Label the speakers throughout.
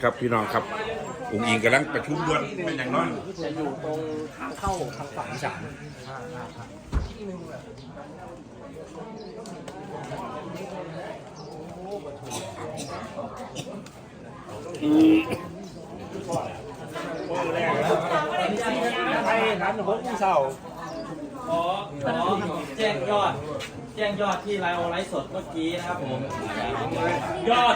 Speaker 1: ครับพี่น้องครับอุ๋งอิงกำลังประชุมด่วนเป็นอย่างน้อย
Speaker 2: จะอยู่ตรงทางเข้าทางฝั่งอีสานให้ร้านหกเช้า
Speaker 3: ขอแจ้งยอดที่ไลฟ์สดเมื่อกี้นะครับผมยอด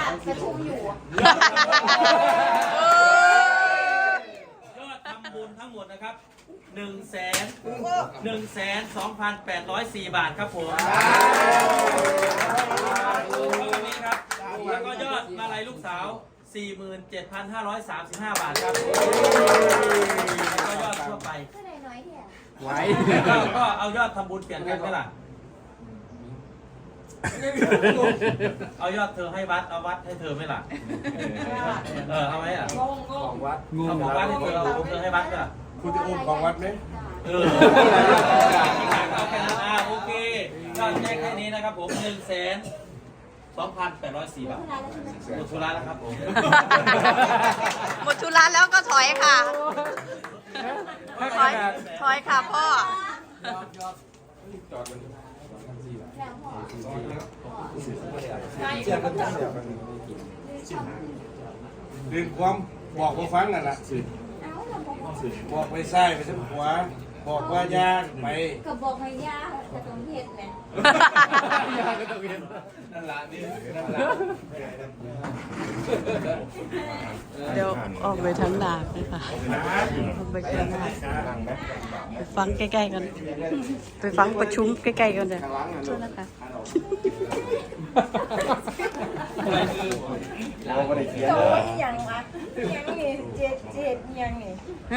Speaker 3: ทำบุญทั้งหมดนะครับ1,2,804 บาทครับผมนี้ครับแล้วก็ยอดมาลัยลูกสาว 47,535 บาทครับแล้วก็ยอดทั่วไป
Speaker 2: ไว้
Speaker 3: ก็เอายอดทำบุญเปลี่ยนกันไหมล่ะเอายอดเธอให้วัดเอาวัดให้เธอไหมล่ะเอาไหมอ่ะ
Speaker 2: ของวัด
Speaker 3: เอาของวัดให้เธอเอาเธอให้วัดก็
Speaker 1: คุณจะอุ้มของวัดไหม
Speaker 3: โอเคยอดแจ้งแค่นี้นะครับผม1,2,804 บาทหมดธุระแล้วครับผม
Speaker 4: หมดธุระแล้วก็ถอยค่ะถอยค่ะพ่อ
Speaker 1: ดึงความบอกว่าฟังนั่นแหละบอกไปซ้ายไปทางขวาบอกว่ายากไป
Speaker 5: ก็บอกให้ยากจะต้องเห็ดเนี่ย
Speaker 2: ยาก็ต้องเห็นนั่นละนี่นั่นละ
Speaker 4: เดี๋ยวออกไปทั้งดาบเลยค่ะออกไปข้างหน้าไปฟังใกล้ๆกันไปฟังประชุมใกล้ๆกันเลยโทษนะคะ
Speaker 5: โตอย่างวะยังนี่เจ็ดยังนี่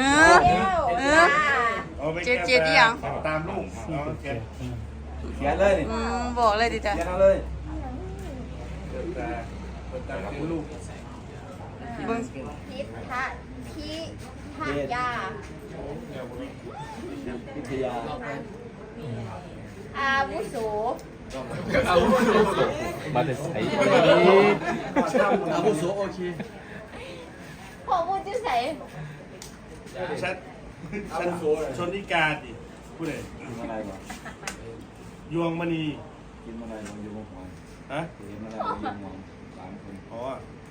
Speaker 4: เจ็ดยัง
Speaker 1: ตามลูกเขียน
Speaker 2: เลย
Speaker 4: บอกเลยดิจ้ะ
Speaker 2: เขียนเลย
Speaker 1: ตามลูก
Speaker 5: พิพยาอาวุโส
Speaker 2: มาแต่ใส่อาวุโสโอเค
Speaker 5: พ่อพูดจะใส่
Speaker 1: ฉันชนนิกาดิพูดเลยยวงมณี
Speaker 2: กินอะไรลงยวงหัว
Speaker 1: ฮะ
Speaker 2: กินอะไรลงยวงหัว3 คน
Speaker 1: อ๋อ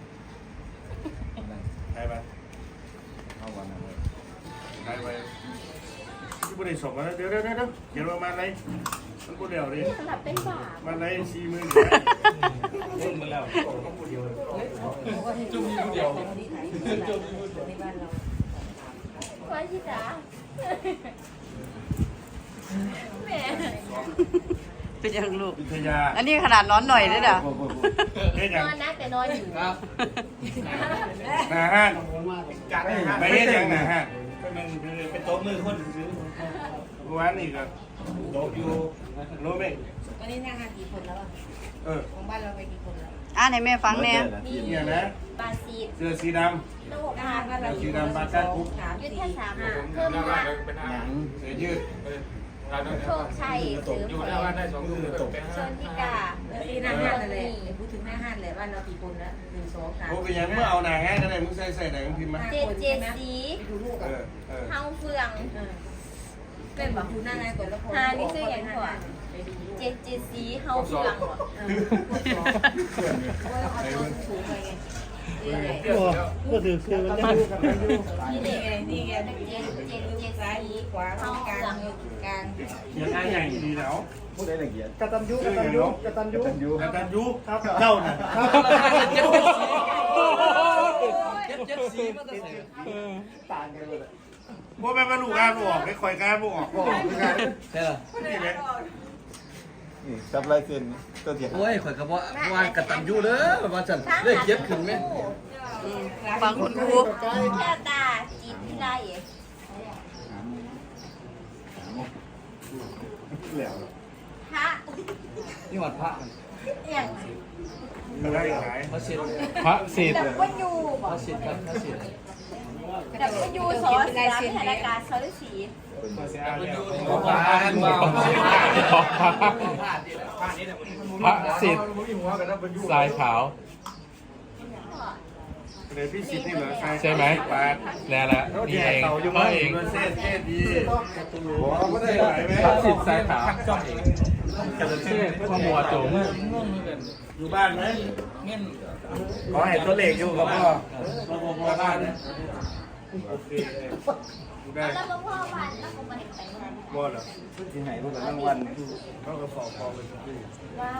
Speaker 1: ใครไป
Speaker 2: เข้าวันนั้นเลย
Speaker 1: ใครไปที่บริษัทมาเดี๋ยวเขียนประมาณไหนมันกูเดี่ยวดิ
Speaker 5: สลับเป็นบาป
Speaker 1: มันไหน40,000
Speaker 2: จุ่มมาแล้วจุ่มเดียว
Speaker 5: ว่าที่จ๋าแม่
Speaker 4: เป็นยังลูก
Speaker 1: วิทยา
Speaker 4: อันนี้ขนาดนอนหน่อยเลยเหรอน
Speaker 5: อนนะแต่นอนอยู่
Speaker 2: ครับ
Speaker 1: นะฮะไปเฮ็ดยังนะฮะ
Speaker 3: เป็นโต๊ะมือคนซื้อ
Speaker 1: วันนี้ก็โต๊ะอยู่โน้มเอง
Speaker 5: วันนี้นั่งกี่คนแล้วของบ้านเราไปกี่คนแล้ว
Speaker 4: ให้แม่ฟังแน่
Speaker 1: เนี่ยนะ
Speaker 5: บาซี
Speaker 1: เสื้อสีดำสีดำปากกาคุก
Speaker 5: ยืดแค่3เพิ่มมา
Speaker 1: เสื้อยืด
Speaker 5: โชคชัยเสือผชนทิกา
Speaker 6: ที่หน้าห้านเลยพูดถึงหน้าห้านเลยว่าเรากี่คนแล้ว1 2 3
Speaker 1: โอ้เป็นยังเมื่อเอาหนาแห้งกันเลยมึงใส่ไหนมึงพิมพ์มา
Speaker 5: เจสีเฮาเฟือง
Speaker 6: เป็นแบบคุณหน้าไงก่อนแล้วพอ
Speaker 5: นี่ชื่ออย่างก่อนเจสีเฮาเฟือง
Speaker 2: ก็ถือคือมันได้กับอายุ
Speaker 6: นี่ไง
Speaker 5: เจ
Speaker 6: ซ้ายขวากลาง
Speaker 1: ยังไงอย่างดีแล้ว
Speaker 2: พูดได้ละเอียด
Speaker 1: กตัญญูครับเจ้าน่ะ
Speaker 2: เจ็บสีมันจะต่างกันเลย
Speaker 1: พวกแม่มาลูกการออกได้คอยการออก
Speaker 2: ใช่เหรอนี่จับลายเส้นตัวเดียวโอ้ยข่อยก็ว่ากตัญญูเด้อว่าจันเลขเจ็บขึ้นไหม
Speaker 4: ฟังคุณครู
Speaker 5: แค่ตาจีบที่ไรพระ
Speaker 2: นี่วัดพระ
Speaker 5: อย่าง
Speaker 1: พระศิษย์
Speaker 5: ดับเบิลยู
Speaker 2: พระศิษย์ครับพระศิษย์
Speaker 5: ดับเบิลยูสอสารพิธานการสฤษี
Speaker 7: พระสิทธิ์สายขาว
Speaker 1: เลยพี่สิทธิ์นี่เหรอ
Speaker 7: ใช่ไหมแล้วละนี่เองเขาเอง
Speaker 1: เส้นดีบอกไม่ได้ไหวไหม
Speaker 7: ทักษิณสายขาวกระเทศพ่อมัวจุ๋ม
Speaker 1: อยู่บ้านไหม
Speaker 3: เงี้ย
Speaker 1: ขอให้ตัวเลขอยู่กับพ่อพ่อบ้านโอเคได้
Speaker 5: แล้วก็พ่อบ้านแล้วก็มาเห็นไปเมื่อไหร่
Speaker 1: บ่เหรอที่ไหนรู้แต่รางวัลเขาก็สอบพอไปที่
Speaker 5: ว้าว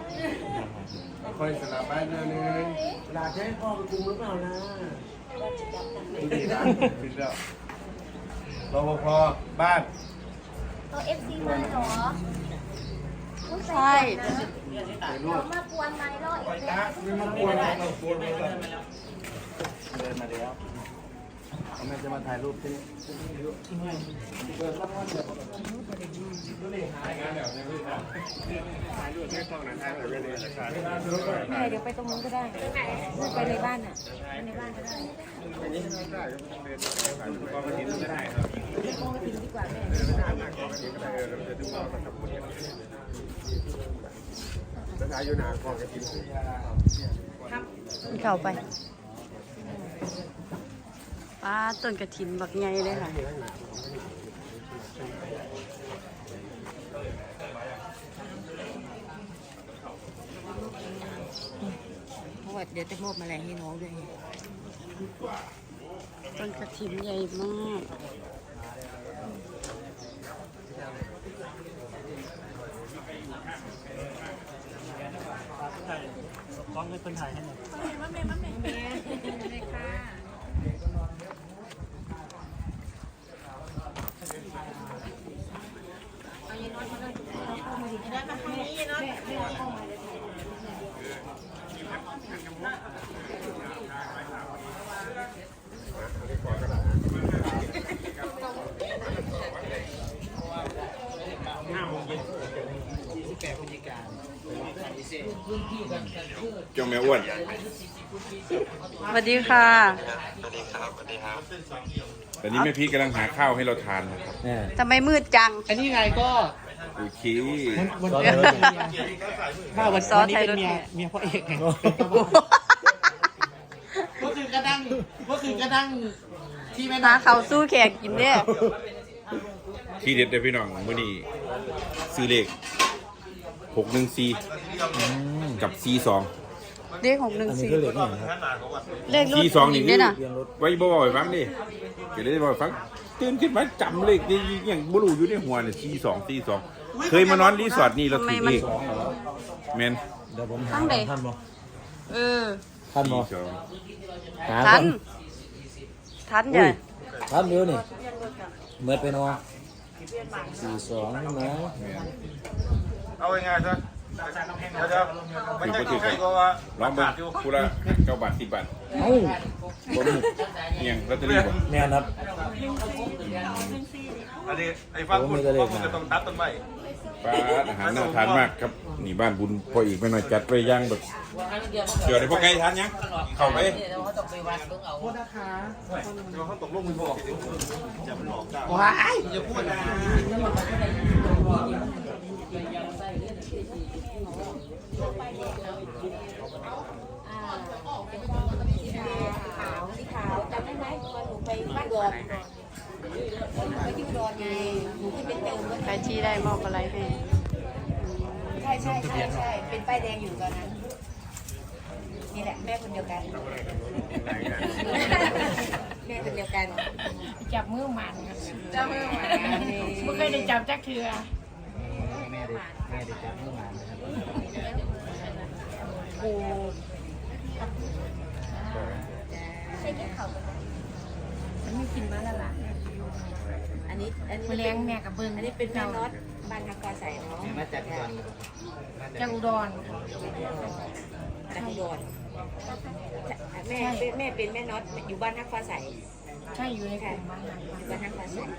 Speaker 1: ค่อยสลับบ้านเรื่อยๆลาให้พ่อไปคุมหรือเปล่านะดีนะดีแล้วรปภบ้าน
Speaker 5: ตัวเอฟซีมาเหรอ
Speaker 4: ใช่
Speaker 5: เรามากวนไหมรออีกแล้ว
Speaker 1: ไม่มากวนเรากวนไปก่อนเดินมาแล้วเขาไม่จะมาถ่ายรูปที่นี่
Speaker 6: แม่เดี๋ยวไปตรงนู้นก็ได้ไปในบ้านอ่ะในบ้านก็ได้โค้งกระถิ่นดีกว่าแม่
Speaker 4: เข้าไปป้าต้นกระถินบักไงเลยค่ะ
Speaker 6: เพราะว่าเดี๋ยวจะมอบแมลงให้น้องด้วย
Speaker 4: ต้นกระถินใหญ่มาก
Speaker 8: จงแม่อ้วน
Speaker 4: สวัสดีค่ะ
Speaker 8: ตอนนี้แม่พีกำลังหาข้าวให้เราทานนะครับ
Speaker 4: ทำไมมืดจัง
Speaker 7: อันนี้ไงก็
Speaker 8: โอเค
Speaker 7: วันนี้ถ้าวันนี้เป็นเมียพ่อเอกไงก็คือกระดังที่แม่
Speaker 4: หาเขาวสู้แขกกินเนี่ย
Speaker 8: ที่เด็ดเลยพี่น้องมื้อนี้ซื้อเลข614กับ42
Speaker 4: เลข614เลขรุ่น
Speaker 8: 42
Speaker 4: อี
Speaker 8: นี่
Speaker 4: ก
Speaker 8: คื
Speaker 4: ด้ว
Speaker 8: อย
Speaker 4: นะ
Speaker 8: ไว้บ่อยฟังดิเดี๋ยวได้บ่อยฟังตื่นขึ้นมาจำเลขนี่อย่างบ่รู้อยู่ในหัวนี่42เคยมานอนรีสอร์ทนี่เราถือเลขแม่น
Speaker 4: ทั้งเด็เออ
Speaker 8: ท่านบ่
Speaker 4: ทันจ้ะ
Speaker 9: ครับเดี๋ยวนี่เมื่อไปนอน42นะ
Speaker 1: เอาง่ายๆซะเดี๋ยวไม่ใช่ใครก็ว่า
Speaker 8: ลองเบิ่งผู้ละ9 บาท 10 บาท
Speaker 9: เอ้าผม
Speaker 8: เอียงลอตเตอรี่บ่
Speaker 9: แม่นครับ
Speaker 1: อันนี้ไอ้ฟังคุณจะต้องตัดต้นไม้
Speaker 8: ปลาอาหารน่าทานมากครับนี่บ้านบุญพ่ออีกไม่น้อยจัดไปย่างแบบเดี๋ยวได้พ่อไก่ทานยังเข้าไป
Speaker 1: เดี๋ยวเขาตกลงมือบอกจะมันหลอกได้
Speaker 7: ว้าย
Speaker 1: จะพูดนะ
Speaker 6: สีขาวจำได้ไหมตอนหนูไปบ้านดอนไปที่ดอนไงหนูที่เป็นเติมก็
Speaker 4: ใครที่ได้มอบอะไรให้
Speaker 6: ใช่เป็นป้ายแดงอยู่ตอนนั้นนี่แหละแม่คนเดียวกันแม่คนเดียวกัน
Speaker 10: จับมือหมันครับจับมือหมันไม่เคยได้จับจักเทือ
Speaker 9: แม่ได้จับเมื่อวานนะครับ
Speaker 6: โอ้
Speaker 5: ใช้กินเขาวกันไหม
Speaker 10: มันไม่กินมาแล้วล่ะ
Speaker 6: อันนี้
Speaker 10: มาเลี้ยงแม่กับเบิ้ง
Speaker 6: อันนี้เป็นแม่น็อตบ้านทางกอใส่เนาะ
Speaker 9: มาจากก่อน
Speaker 10: จากอุดร
Speaker 6: จากอุดรแม่เป็นแม่น็อตอยู่บ้านทักฟ้าใส
Speaker 10: ใช่อยู่ในกลุ่มบ้านหลัง
Speaker 6: อยู่บ้านทักฟ้าใส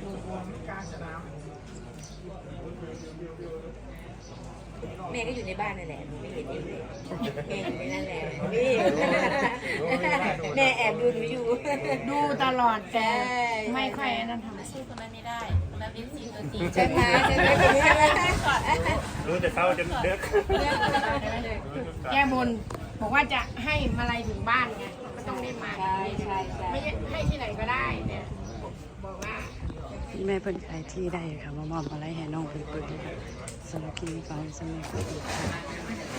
Speaker 6: แม่ก็อยู่ในบ้านนั่นแหละไม่เห็นเองเลยแม่อยู่ในนั่นแหละนี่แม่แอบดูหนูอยู่
Speaker 10: ดูตลอดแต่ไม่ค่อยนั่นทำ
Speaker 5: สู้คนนั้นไม่ได้คนนั้นเป็นซีตัวจริง
Speaker 6: ใช่ไหมใช่ไหมใช่ไหม
Speaker 1: รู้แต่เช้าจนเด็ก
Speaker 10: แก้บนบอกว่าจะให้มาลัยถึงบ้านไงต้องได้หมาน
Speaker 6: ใช่ใช่ใช่
Speaker 10: ไม่ให้ที่ไหนก็ได้เนี่ยบอกว่า
Speaker 4: พี่แม่เพิ่นขายที่ได้ค่ะมามอบอะไรให้น้องเพิ่นเปิดเลยค่ะสำหรับคลิปนี้ก็ให้สำเร็จ